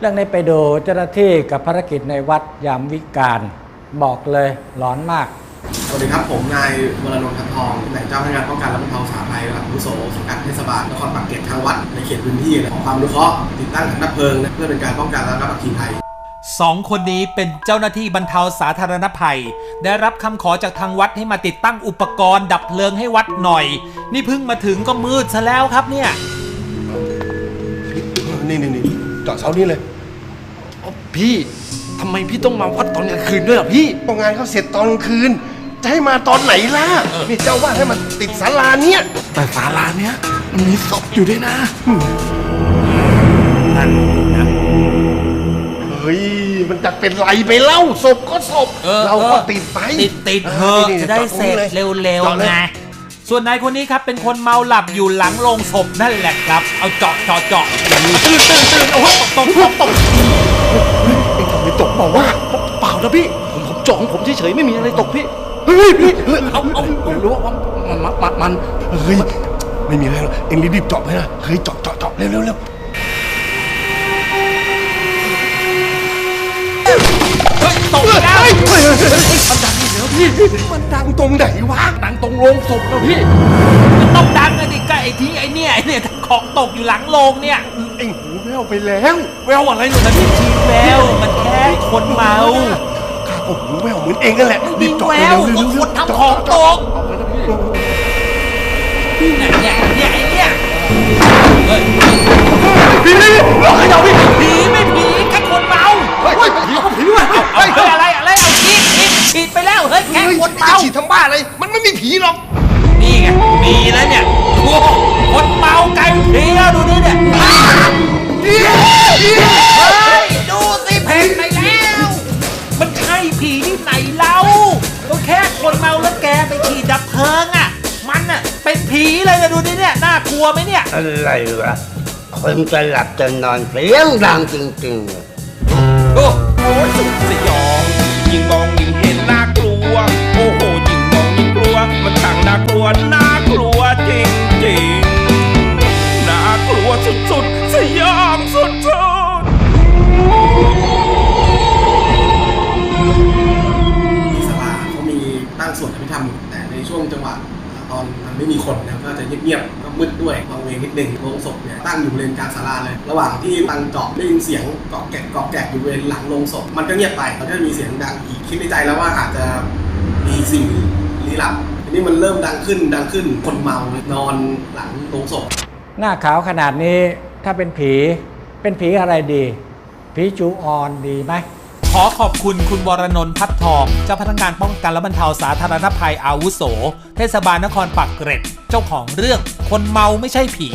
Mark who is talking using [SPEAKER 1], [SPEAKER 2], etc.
[SPEAKER 1] รื่องนี้ไปดูเจ้าหน้าที่กับภารกิจในวัดยามวิกาลบอกเลยหลอนมาก
[SPEAKER 2] สวัสดีครับผมนายวรนนท์ ทัพทองตำแหน่งเจ้าพนักงานป้องกันและบรรเทาสาธารณภัยระดับอาวุโสสังกัดเทศบาลนครปากเกร็ดทางวัดในเขตพื้นที่ขอความอนุเคราะห์ติดตั้งถังดับเพลิงเพื่อเป็นการป้องกันและระงับอัคคีภัย
[SPEAKER 3] 2 คนนี้เป็นเจ้าหน้าที่บรรเทาสาธารณภัยได้รับคำขอจากทางวัดให้มาติดตั้งอุปกรณ์ดับเพลิงให้วัดหน่อยนี่เพิ่งมาถึงก็มืดซะแล้วครับเนี่ย
[SPEAKER 4] นี่จอดเสานี้เลย
[SPEAKER 5] พี่ทำไมพี่ต้องมาวัดตอนกลางคืนด้วยล่ะพี่
[SPEAKER 4] งานเขาเสร็จตอนกลางคืนจะให้มาตอนไหนล่ะนี่เจ้าว่าให้มันติดศาลาเนี้ย
[SPEAKER 5] แต่ศาลาเนี้ยมันมีศพอยู่ด้วยนะ
[SPEAKER 3] นั่นนะ
[SPEAKER 4] เฮ้ยมันจะเป็นไรไปเล่าศพก็ศพเราก็ติดไป
[SPEAKER 3] ติดเถอะจะได้เสร็จเร็วๆไงส่วนนายคนนี้ครับเป็นคนเมาหลับอยู่หลังโลงศพนั่นแหละครับเอาเจาะตื่นโอ้โหตก
[SPEAKER 5] เอ็งทำไมตกบอกว่าเปล่านะพี่ผมจ่องผมเฉยๆไม่มีอะไรตกพี่เฮ้ยเอารู้ว่ามัน
[SPEAKER 4] เฮ้ยไม่มีอะไรหรอกเอ็งรีบเจาะไปนะเฮ้ยเจาะเร็ว
[SPEAKER 3] ตกแล้ว
[SPEAKER 5] มันดังอีกแล้วพี่
[SPEAKER 4] มันดังตรงไหนวะ
[SPEAKER 5] ดังตรงโรงศพแล้วพี่
[SPEAKER 3] มันต้องดังไงดิก็ไอ้ที่ไอ้เนี่ยของตกอยู่หลังโรงเนี่ย
[SPEAKER 4] เอ็งหูแววไปแล้ว
[SPEAKER 5] แววอะไรหนูนะ
[SPEAKER 3] พี่ชีแววมันแค่คนเมา
[SPEAKER 4] ข้าก็หูแววเหมือนเอ็งนั่นแหละ
[SPEAKER 3] รีบเจาะเร็วก็คนทำของตกเนี่ย
[SPEAKER 4] ผีหลอกให้เรา
[SPEAKER 3] ผีไม่ผีแค่คนเมา
[SPEAKER 4] ผีด้วย
[SPEAKER 3] อะไรเอาฉีดไปแล้วเฮ้ยแค่คนเมา
[SPEAKER 4] ฉีดทำบ้าอะไรมันไม่มีผีหรอก
[SPEAKER 3] นี่ไงมีแล้วเนี่ยโอ้คนเมาไกลผีแล้วดูนี่เนี่ยเฮ้ยดูสิเพ่งไปแล้วมันใช่ผีที่ไหนเล่าก็แค่คนเมาแล้วแกไปฉีดดับเพลิงอ่ะมันอ่ะเป็นผีเลยนะดูนี่เนี่ยน่ากลัวไหมเนี่ย
[SPEAKER 6] อะไรวะคนจะหลับจะนอนเสียงดังจริงๆ
[SPEAKER 3] โอ้โหสุดสยองยิ่งมองยิ่งเห็นน่ากลัวโอ้โหยิ่งมองยิ่งกลัวมันต่างน่ากลัวจริงน่ากลัวสุดๆสยองสุด
[SPEAKER 2] ศาลาเขามีตั้งสวดอภิธรรมแต่ในช่วงจังหวะตอนมันไม่มีคนนะก็จะเงียบๆก็มืดด้วยบางเวงนิดนึงโลงศพเนี่ยตั้งอยู่บริเวณกลางศาลาเลยระหว่างที่ตั้งเจาะได้ยินเสียงเกาะแกะอยู่บริเวณหลังโลงศพมันก็เงียบไปแล้วก็มีเสียงดังอีกคิดในใจแล้วว่าอาจจะมีสิ่งลี้ลับทีนี้มันเริ่มดังขึ้นคนเมานอนหลังโลงศพ
[SPEAKER 1] หน้าขาวขนาดนี้ถ้าเป็นผีอะไรดีผีจูออนดีไหม
[SPEAKER 3] ขอขอบคุณคุณวรนนท์ ทัพทองเจ้าพนักงานป้องกันและบรรเทาสาธารณภัยอาวุโสเทศบาลนครปากเกร็ดเจ้าของเรื่องคนเมาไม่ใช่ผี